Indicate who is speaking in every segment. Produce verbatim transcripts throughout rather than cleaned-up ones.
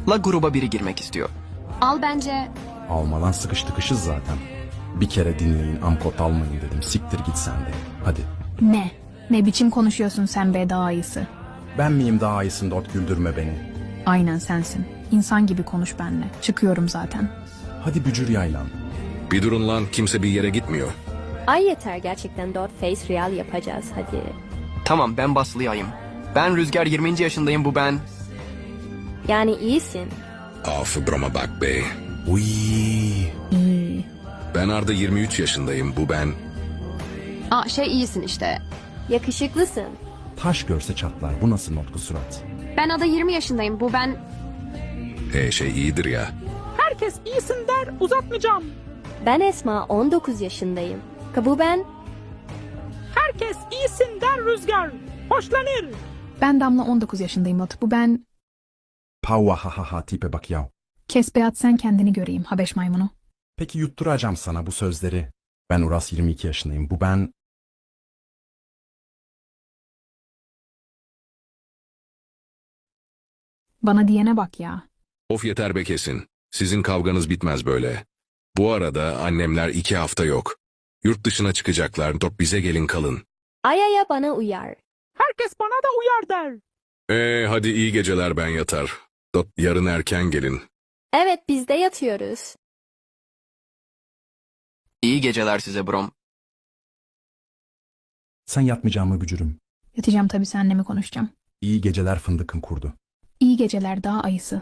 Speaker 1: La gruba biri girmek istiyor.
Speaker 2: Al bence.
Speaker 3: Almadan sıkış tıkışız zaten. Bir kere dinleyin, amkot almayın dedim. Siktir git sen de. Hadi.
Speaker 4: Ne? Ne biçim konuşuyorsun sen be daha iyisi?
Speaker 3: Ben miyim daha iyisin Dot, güldürme beni.
Speaker 4: Aynen sensin. İnsan gibi konuş benimle. Çıkıyorum zaten.
Speaker 3: Hadi bücür yaylan.
Speaker 5: Bir durun lan, kimse bir yere gitmiyor.
Speaker 6: Ay yeter gerçekten, dört face real yapacağız hadi.
Speaker 1: Tamam, ben Baslı'yayım. Ben Rüzgar, yirminci yaşındayım, bu ben.
Speaker 6: Yani iyisin.
Speaker 5: Af broma bak be.
Speaker 3: Uy.
Speaker 4: İyi.
Speaker 5: Ben Arda, yirmi üç yaşındayım, bu ben.
Speaker 2: Aa şey iyisin işte.
Speaker 6: Yakışıklısın.
Speaker 3: Taş görse çatlar. Bu nasıl notku surat?
Speaker 2: Ben Ada yirmi yaşındayım. Bu ben.
Speaker 5: E şey iyidir ya.
Speaker 7: Herkes iyisin der, uzatmayacağım.
Speaker 6: Ben Esma, on dokuz yaşındayım. Kabu ben.
Speaker 7: Herkes iyisin der Rüzgar. Hoşlanır.
Speaker 4: Ben Damla on dokuz yaşındayım Ot. Bu ben...
Speaker 3: Pavva ha ha ha tipe bak yav.
Speaker 4: Kes be at sen kendini göreyim Habeş maymunu.
Speaker 3: Peki yutturacağım sana bu sözleri. Ben Uras, yirmi iki yaşındayım. Bu ben...
Speaker 4: Bana diyene bak ya.
Speaker 5: Of yeter be kesin. Sizin kavganız bitmez böyle. Bu arada annemler iki hafta yok. Yurt dışına çıkacaklar, dört bize gelin kalın.
Speaker 6: Ayaya bana uyar.
Speaker 7: Herkes bana da uyar der.
Speaker 5: Ee hadi iyi geceler, ben yatar. Dot yarın erken gelin.
Speaker 6: Evet biz de yatıyoruz.
Speaker 1: İyi geceler size brom.
Speaker 3: Sen yatmayacağım mı bücürüm?
Speaker 4: Yatacağım tabii seninle mi konuşacağım?
Speaker 3: İyi geceler fındıkın kurdu.
Speaker 4: İyi geceler daha ayısı.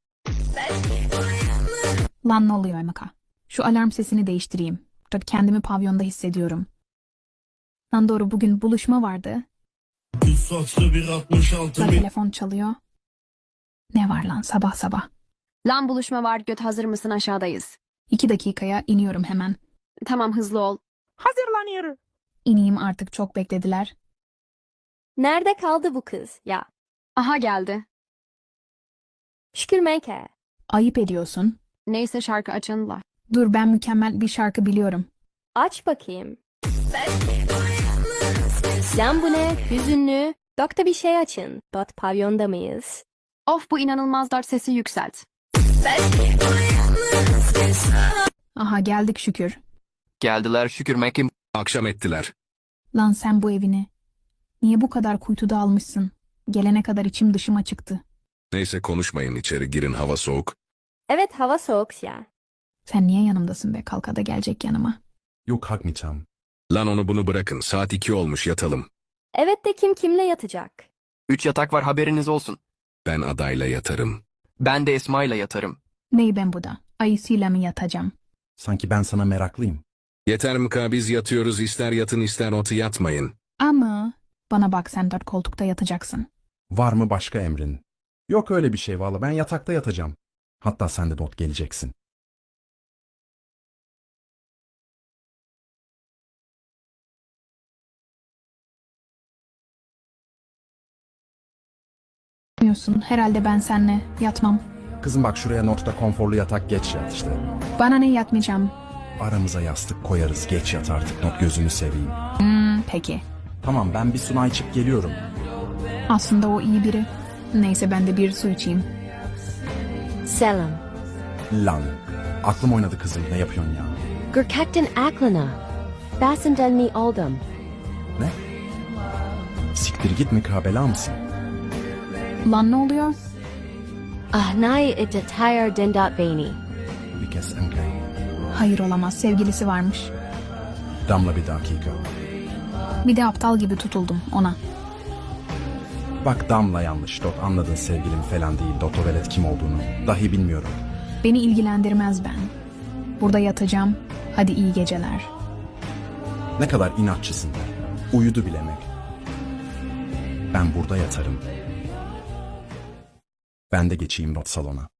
Speaker 4: Lan ne oluyor Emeka? Şu alarm sesini değiştireyim. Tabii kendimi pavyonda hissediyorum. Lan doğru, bugün buluşma vardı.
Speaker 8: Düz saçlı bir altmış altı
Speaker 4: Lan
Speaker 8: mil.
Speaker 4: telefon çalıyor. Ne var lan sabah sabah?
Speaker 2: Lan buluşma var, göt hazır mısın, aşağıdayız.
Speaker 4: İki dakikaya iniyorum hemen.
Speaker 2: Tamam hızlı ol.
Speaker 7: Hazırlanır.
Speaker 4: İneyim artık, çok beklediler.
Speaker 6: Nerede kaldı bu kız ya?
Speaker 2: Aha geldi.
Speaker 6: Şükür Menke.
Speaker 4: Ayıp ediyorsun.
Speaker 2: Neyse şarkı açın la.
Speaker 4: Dur ben mükemmel bir şarkı biliyorum.
Speaker 6: Aç bakayım. Lan bu ne? Hüzünlü. Dokta bir şey açın. Dot pavyonda mıyız?
Speaker 2: Of bu inanılmaz, dart sesi yükselt.
Speaker 4: Aha geldik şükür.
Speaker 1: Geldiler şükür Mekim.
Speaker 5: Akşam ettiler.
Speaker 4: Lan sen bu evini. Niye bu kadar kuytuda almışsın? Gelene kadar içim dışıma çıktı.
Speaker 5: Neyse konuşmayın, içeri girin, hava soğuk.
Speaker 6: Evet hava soğuk ya.
Speaker 4: Sen niye yanımdasın be? Kalka da gelecek yanıma.
Speaker 3: Yok kalkmayacağım.
Speaker 5: Lan onu bunu bırakın, saat iki olmuş, yatalım.
Speaker 6: Evet de kim kimle yatacak?
Speaker 1: Üç yatak var, haberiniz olsun.
Speaker 5: Ben adayla yatarım.
Speaker 1: Ben de Esma'yla yatarım.
Speaker 4: Ney ben bu da? Ayısıyla mı yatacağım?
Speaker 3: Sanki ben sana meraklıyım.
Speaker 5: Yeter Mika, biz yatıyoruz, ister yatın ister otu yatmayın.
Speaker 4: Ama bana bak, sen dört koltukta yatacaksın.
Speaker 3: Var mı başka emrin? Yok öyle bir şey valla, ben yatakta yatacağım. Hatta sen de Dot geleceksin.
Speaker 4: Bilmiyorsun, herhalde ben seninle yatmam.
Speaker 3: Kızım bak, şuraya Not'ta konforlu yatak, geç yat işte.
Speaker 4: Bana ne, yatmayacağım.
Speaker 3: Aramıza yastık koyarız, geç yat artık Not, gözünü seveyim.
Speaker 4: Hmm, peki.
Speaker 3: Tamam, ben bir Suna içip geliyorum.
Speaker 4: Aslında o iyi biri. Neyse ben de bir su içeyim.
Speaker 6: Selam.
Speaker 3: Lan aklım oynadı kızım, ne yapıyorsun ya?
Speaker 6: Gürkekten aklına. Basından mi oldum?
Speaker 3: Ne? Siktir git mükabela mısın?
Speaker 4: Lan ne oluyor?
Speaker 6: Ah nay itatayar dendat beni.
Speaker 3: Bir kez emkay.
Speaker 4: Hayır olamaz, sevgilisi varmış.
Speaker 3: Damla bir dakika.
Speaker 4: Bir de aptal gibi tutuldum ona.
Speaker 3: Bak Damla yanlış Dot, anladın, sevgilim falan değil. Dot o velet kim olduğunu dahi bilmiyorum.
Speaker 4: Beni ilgilendirmez ben. Burada yatacağım. Hadi iyi geceler.
Speaker 3: Ne kadar inatçısın. Uyudu bilemek. Ben burada yatarım. Ben de geçeyim Dot salona.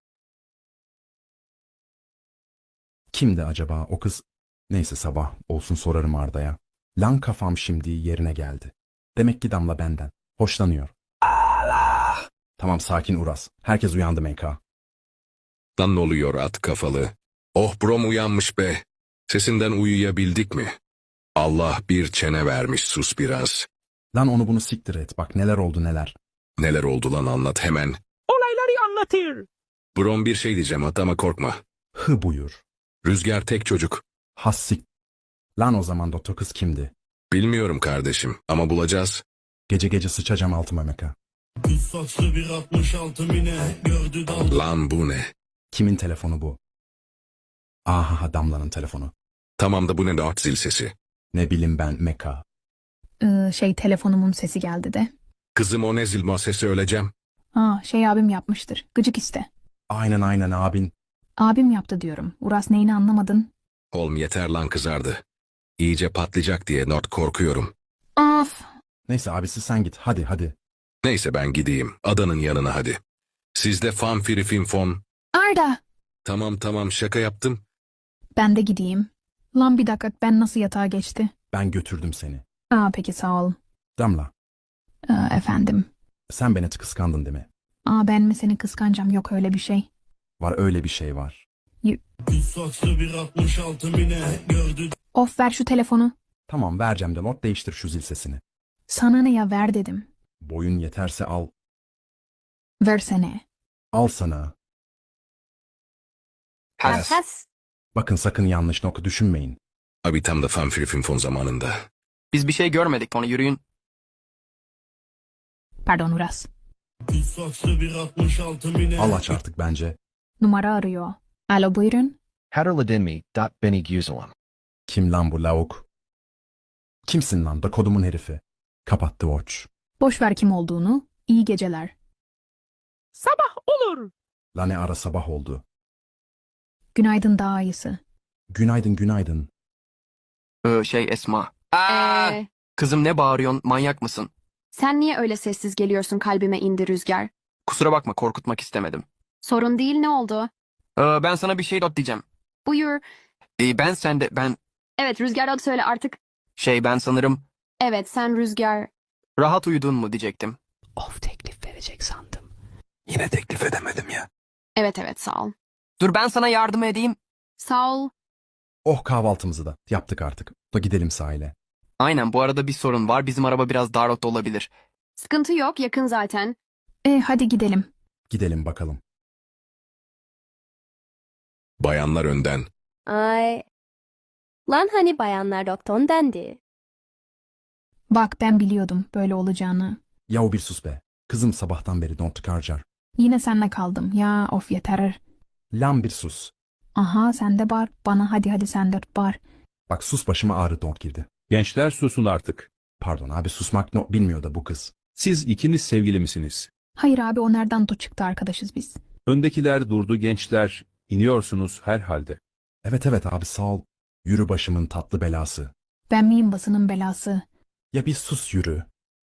Speaker 3: Kimdi acaba o kız? Neyse sabah olsun sorarım Arda'ya. Lan kafam şimdi yerine geldi. Demek ki Damla benden hoşlanıyor. Allah! Tamam sakin Uras. Herkes uyandı M K.
Speaker 5: Lan ne oluyor at kafalı? Oh brom uyanmış be. Sesinden uyuyabildik mi? Allah bir çene vermiş, sus biraz.
Speaker 3: Lan onu bunu siktir et. Bak neler oldu neler.
Speaker 5: Neler oldu lan, anlat hemen.
Speaker 7: Olayları anlatır.
Speaker 5: Brom bir şey diyeceğim hatta ama korkma.
Speaker 3: Hı buyur.
Speaker 5: Rüzgar tek çocuk.
Speaker 3: Hassik. Lan o zaman doktor kız kimdi?
Speaker 5: Bilmiyorum kardeşim ama bulacağız.
Speaker 3: Gece gece sıçacağım altıma meka.
Speaker 8: Düz saçlı bir altmış altı mine gördü daldı.
Speaker 5: Lan bu ne?
Speaker 3: Kimin telefonu bu? Aha Damla'nın telefonu.
Speaker 5: Tamam da bu ne dört zil sesi?
Speaker 3: Ne bileyim ben meka.
Speaker 4: Ee, şey telefonumun sesi geldi de.
Speaker 5: Kızım o ne zil sesi öleceğim.
Speaker 4: Aa şey abim yapmıştır. Gıcık işte.
Speaker 3: Aynen aynen abin.
Speaker 4: Abim yaptı diyorum. Uras neyini anlamadın?
Speaker 5: Oğlum yeter lan kızardı. İyice patlayacak diye not korkuyorum.
Speaker 4: Of.
Speaker 3: Neyse abisi sen git hadi hadi.
Speaker 5: Neyse ben gideyim. Adanın yanına hadi. Sizde fan firi fin fon.
Speaker 4: Arda.
Speaker 5: Tamam tamam şaka yaptım.
Speaker 4: Ben de gideyim. Lan bir dakika ben nasıl yatağa geçti?
Speaker 3: Ben götürdüm seni.
Speaker 4: Aa peki sağ ol.
Speaker 3: Damla
Speaker 4: Ee, efendim.
Speaker 3: sen beni kıskandın değil mi?
Speaker 4: Aa ben mi seni kıskancam yok öyle bir şey.
Speaker 3: Var öyle bir şey var.
Speaker 8: Düz saçlı bir altmış altı mine gördü.
Speaker 4: Of ver şu telefonu.
Speaker 3: Tamam vereceğim de not değiştir şu zil sesini.
Speaker 4: Sana ne ya ver dedim.
Speaker 3: Boyun yeterse al.
Speaker 4: Versene.
Speaker 3: Al sana.
Speaker 6: Has has.
Speaker 3: Bakın sakın yanlış nokta düşünmeyin.
Speaker 5: Abi tam da fan firi fin fon zamanında.
Speaker 1: Biz bir şey görmedik onu yürüyün.
Speaker 4: Pardon Uras.
Speaker 8: Düz saçlı bir altmış altı mine.
Speaker 3: Al aç artık bence.
Speaker 4: Numara arıyor. Alo buyurun.
Speaker 9: Hatterladinmi. Beni Guzalam.
Speaker 3: Kim lan bu lavuk? Kimsin lan da kodumun herifi? Kapattı watch.
Speaker 4: Boş ver kim olduğunu. İyi geceler.
Speaker 7: Sabah olur.
Speaker 3: La ne ara sabah oldu.
Speaker 4: Günaydın daha iyisi.
Speaker 3: Günaydın günaydın.
Speaker 1: Ee, şey Esma. Aa,
Speaker 2: Ee,
Speaker 1: kızım ne bağırıyorsun? Manyak mısın?
Speaker 2: sen niye öyle sessiz geliyorsun kalbime indi Rüzgar?
Speaker 1: Kusura bakma korkutmak istemedim.
Speaker 2: Sorun değil ne oldu?
Speaker 1: Ee, ben sana bir şey dot diyeceğim.
Speaker 2: Buyur.
Speaker 1: Ee, ben sende ben
Speaker 2: Evet Rüzgar adı söyle artık.
Speaker 1: şey ben sanırım
Speaker 2: Evet sen Rüzgar.
Speaker 1: rahat uyudun mu diyecektim.
Speaker 9: Of teklif verecek sandım.
Speaker 5: Yine teklif edemedim ya.
Speaker 2: Evet evet sağ ol.
Speaker 1: Dur ben sana yardım edeyim.
Speaker 2: Sağ ol.
Speaker 3: Oh kahvaltımızı da yaptık artık. Da gidelim sahile.
Speaker 1: Aynen bu arada bir sorun var. Bizim araba biraz dar rota olabilir.
Speaker 2: Sıkıntı yok yakın zaten.
Speaker 4: E hadi gidelim.
Speaker 3: Gidelim bakalım.
Speaker 5: Bayanlar önden.
Speaker 6: Ay. Lan hani bayanlar dokton dendi.
Speaker 4: Bak ben biliyordum böyle olacağını.
Speaker 3: Yahu bir sus be. Kızım sabahtan beri don't karcar.
Speaker 4: Yine senle kaldım. Ya of yeter.
Speaker 3: Lan bir sus.
Speaker 4: Aha sen de bağır. Bana hadi hadi sen de bağır.
Speaker 3: Bak sus başıma ağrı don't girdi.
Speaker 10: Gençler susun artık.
Speaker 3: Pardon abi susmak no bilmiyor da bu kız.
Speaker 10: Siz ikiniz sevgili misiniz?
Speaker 4: Hayır abi o nereden to çıktı arkadaşız biz.
Speaker 10: Öndekiler durdu gençler. İniyorsunuz herhalde.
Speaker 3: Evet evet abi sağ ol. Yürü başımın tatlı belası.
Speaker 4: Ben miyim basının belası?
Speaker 3: Ya bir sus yürü.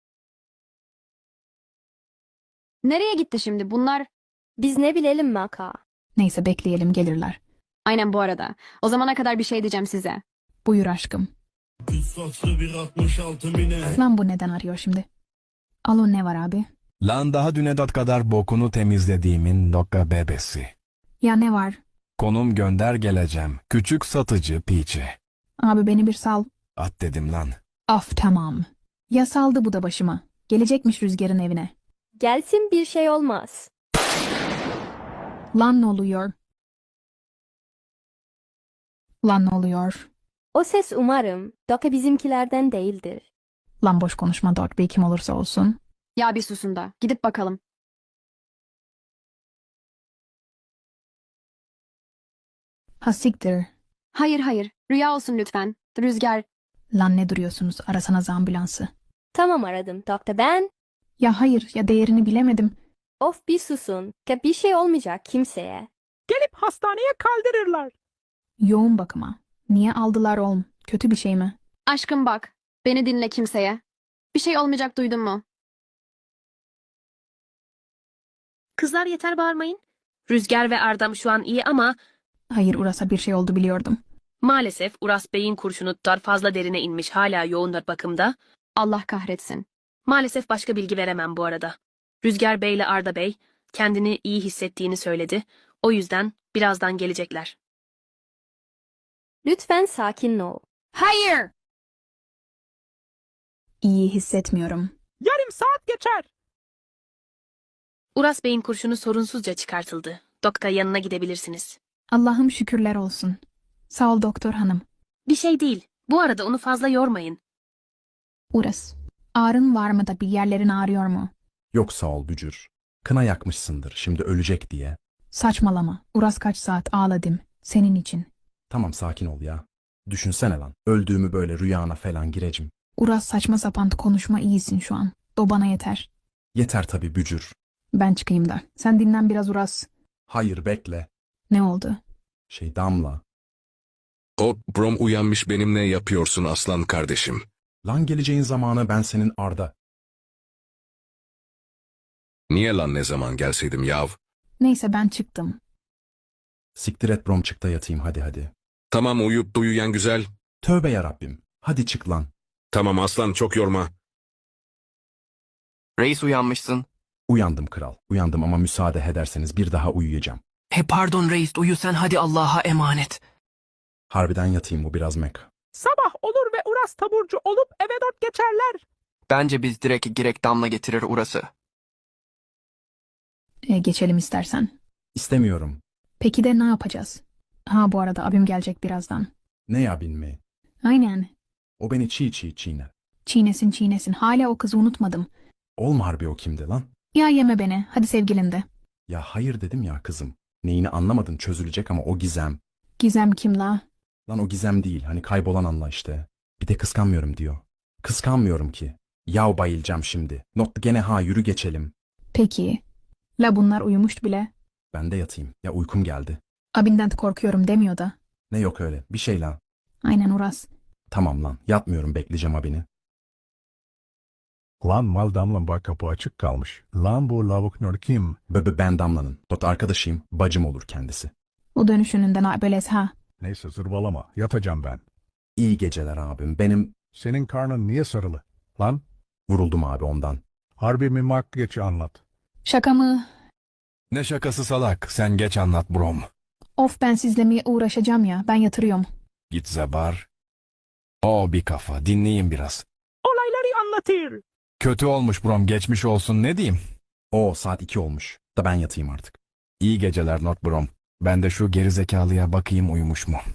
Speaker 2: Nereye gitti şimdi bunlar?
Speaker 6: Biz ne bilelim Maka.
Speaker 4: Neyse bekleyelim gelirler.
Speaker 2: Aynen bu arada. O zamana kadar bir şey diyeceğim size.
Speaker 4: Buyur aşkım.
Speaker 8: Düz saçlı bir altmış altı mine.
Speaker 4: Lan bu neden arıyor şimdi? Alo ne var abi?
Speaker 11: Lan daha düne dat kadar bokunu temizlediğimin dokka bebesi.
Speaker 4: Ya ne var?
Speaker 11: Konum gönder geleceğim. Küçük satıcı piçi.
Speaker 4: Abi beni bir sal.
Speaker 11: At dedim lan.
Speaker 4: Af tamam. Ya saldı bu da başıma. Gelecekmiş Rüzgar'ın evine.
Speaker 6: Gelsin bir şey olmaz.
Speaker 4: Lan ne oluyor? Lan ne oluyor?
Speaker 6: O ses umarım Doka bizimkilerden değildir.
Speaker 4: Lan boş konuşma Dot Bey kim olursa olsun.
Speaker 2: Ya bir susun da. Gidip bakalım.
Speaker 4: Ha siktir.
Speaker 2: Hayır hayır. Rüya olsun lütfen. Rüzgar.
Speaker 4: Lan ne duruyorsunuz? Arasanız ambulansı.
Speaker 6: Tamam aradım Dokta ben.
Speaker 4: Ya hayır ya değerini bilemedim.
Speaker 6: Of bir susun. Ka bir şey olmayacak kimseye.
Speaker 7: Gelip hastaneye kaldırırlar.
Speaker 4: Yoğun bakıma. Niye aldılar oğlum? Kötü bir şey mi?
Speaker 2: Aşkım bak. Beni dinle kimseye. Bir şey olmayacak duydun mu?
Speaker 12: Kızlar yeter bağırmayın. Rüzgar ve Ardam şu an iyi ama
Speaker 4: Hayır Uras'a bir şey oldu biliyordum.
Speaker 12: maalesef Uras Bey'in kurşunu tutar fazla derine inmiş hala yoğun bakımda.
Speaker 2: Allah kahretsin.
Speaker 12: Maalesef başka bilgi veremem bu arada. Rüzgar Bey ile Arda Bey kendini iyi hissettiğini söyledi. O yüzden birazdan gelecekler.
Speaker 6: Lütfen sakin ol.
Speaker 4: Hayır! İyi hissetmiyorum.
Speaker 7: Yarım saat geçer.
Speaker 12: Uras Bey'in kurşunu sorunsuzca çıkartıldı. Doktor yanına gidebilirsiniz.
Speaker 4: Allah'ım şükürler olsun. Sağ ol doktor hanım.
Speaker 12: Bir şey değil. Bu arada onu fazla yormayın.
Speaker 4: Uras. Ağrın var mı da bir yerlerin ağrıyor mu?
Speaker 3: Yok sağ ol bücür. Kına yakmışsındır şimdi ölecek diye.
Speaker 4: Saçmalama. Uras kaç saat ağladım. Senin için.
Speaker 3: Tamam sakin ol ya. Düşünsene lan. Öldüğümü böyle rüyana falan girecim.
Speaker 4: Uras saçma sapan konuşma iyisin şu an. O bana yeter.
Speaker 3: Yeter tabii bücür.
Speaker 4: Ben çıkayım da. Sen dinlen biraz Uras.
Speaker 3: Hayır bekle.
Speaker 4: Ne oldu?
Speaker 3: Şey Damla.
Speaker 5: O Brom uyanmış benim ne yapıyorsun aslan kardeşim?
Speaker 3: Lan geleceğin zamanı ben senin Arda.
Speaker 5: Niye lan ne zaman gelseydim yav?
Speaker 4: Neyse ben çıktım.
Speaker 3: Siktir et Brom çık da yatayım hadi hadi.
Speaker 5: Tamam uyuyup uyuyan güzel.
Speaker 3: Tövbe yarabbim. Hadi çık lan.
Speaker 5: Tamam aslan çok yorma.
Speaker 1: Reis uyanmışsın.
Speaker 3: Uyandım kral. Uyandım ama müsaade ederseniz bir daha uyuyacağım.
Speaker 1: He pardon reis uyu sen hadi Allah'a emanet.
Speaker 3: Harbiden yatayım bu biraz mek.
Speaker 7: Sabah olur ve Uras taburcu olup eve dört geçerler.
Speaker 1: Bence biz direkt girek Damla getirir Uras'ı.
Speaker 4: E, geçelim istersen.
Speaker 3: İstemiyorum.
Speaker 4: Peki de ne yapacağız? Ha bu arada abim gelecek birazdan.
Speaker 3: Ne ya bilmeyi.
Speaker 4: Aynen.
Speaker 3: O beni çiğ çiğ çiğner.
Speaker 4: Çiğnesin çiğnesin. Hala o kızı unutmadım.
Speaker 3: Olma harbi o kimdi lan?
Speaker 4: Ya yeme beni. Hadi sevgilin de.
Speaker 3: Ya hayır dedim ya kızım. Neyini anlamadın çözülecek ama o gizem.
Speaker 4: Gizem kim la?
Speaker 3: Lan o gizem değil hani kaybolan anla işte. Bir de kıskanmıyorum diyor. Kıskanmıyorum ki. Yav bayılacağım şimdi. Not gene ha yürü geçelim.
Speaker 4: Peki. La bunlar uyumuş bile.
Speaker 3: Ben de yatayım. Ya uykum geldi.
Speaker 4: Abinden korkuyorum demiyor da.
Speaker 3: Ne yok öyle. Bir şey lan.
Speaker 4: Aynen Uras.
Speaker 3: Tamam lan. Yatmıyorum bekleyeceğim abini.
Speaker 11: Lan mal Damla bak kapı açık kalmış. Lan bu lavuk nör kim?
Speaker 3: Bebe ben Damla'nın. Tot arkadaşıyım. Bacım olur kendisi.
Speaker 4: O dönüşününden böylez ha.
Speaker 11: Neyse zırvalama. Yatacağım ben.
Speaker 3: İyi geceler abim. Benim
Speaker 11: Senin karnın niye sarılı? Lan
Speaker 3: vuruldum abi ondan.
Speaker 11: harbi mi mak geç anlat.
Speaker 4: Şaka mı?
Speaker 11: Ne şakası salak. Sen geç anlat Brom.
Speaker 4: Of ben sizle uğraşacağım ya. Ben yatırıyorum.
Speaker 11: Git Zabar. O bir kafa. Dinleyin biraz.
Speaker 7: Olayları anlatır.
Speaker 11: Kötü olmuş Brom. Geçmiş olsun ne diyeyim.
Speaker 3: O saat iki olmuş. Da ben yatayım artık.
Speaker 11: İyi geceler Not Brom. Ben de şu gerizekalıya bakayım uyumuş mu?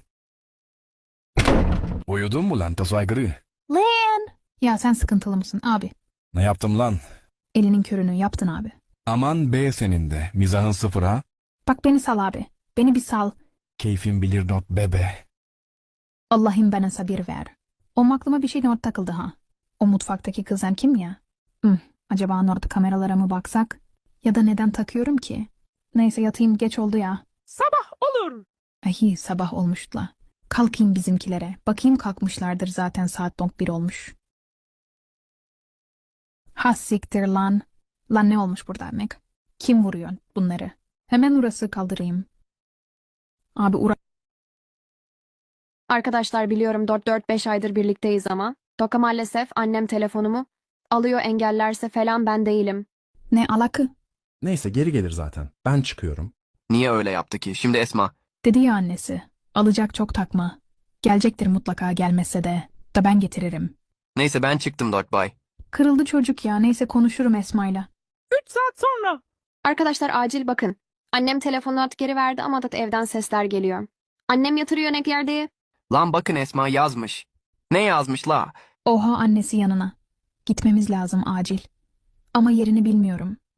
Speaker 11: Uyudun mu lan tasaygırı?
Speaker 4: Lan! Ya sen sıkıntılı mısın abi?
Speaker 11: Ne yaptım lan?
Speaker 4: Elinin körünü yaptın abi.
Speaker 11: Aman be senin de. Mizahın sıfır ha.
Speaker 4: Bak beni sal abi. Beni bir sal.
Speaker 11: Keyfin bilir Not bebe.
Speaker 4: Allah'ım bana sabır ver. O aklıma bir şey not takıldı ha. O mutfaktaki kızan kim ya? Hı, acaba orada kameralara mı baksak? Ya da neden takıyorum ki? Neyse yatayım geç oldu ya.
Speaker 7: Sabah olur.
Speaker 4: Ay sabah olmuş la. Kalkayım bizimkilere. Bakayım kalkmışlardır zaten saat donk bir olmuş. Ha siktir lan. Lan ne olmuş burada emek? Kim vuruyor bunları? Hemen Uras'ı kaldırayım. Abi Uras...
Speaker 2: Arkadaşlar biliyorum dört dört beş aydır birlikteyiz ama. Doka maalesef annem telefonumu alıyor engellerse falan ben değilim.
Speaker 4: Ne alakı?
Speaker 3: Neyse geri gelir zaten. Ben çıkıyorum.
Speaker 1: Niye öyle yaptı ki? Şimdi Esma.
Speaker 4: Dedi ya annesi. Alacak çok takma. Gelecektir mutlaka gelmezse de. Da ben getiririm.
Speaker 1: Neyse ben çıktım Dot Bay.
Speaker 4: Kırıldı çocuk ya. Neyse konuşurum Esma'yla.
Speaker 7: Üç saat sonra.
Speaker 2: Arkadaşlar acil bakın. Annem telefonu at geri verdi ama da evden sesler geliyor. Annem yatırıyor ne yerde.
Speaker 1: Lan bakın Esma yazmış. Ne yazmış la?
Speaker 4: Oha annesi yanına. Gitmemiz lazım acil. Ama yerini bilmiyorum.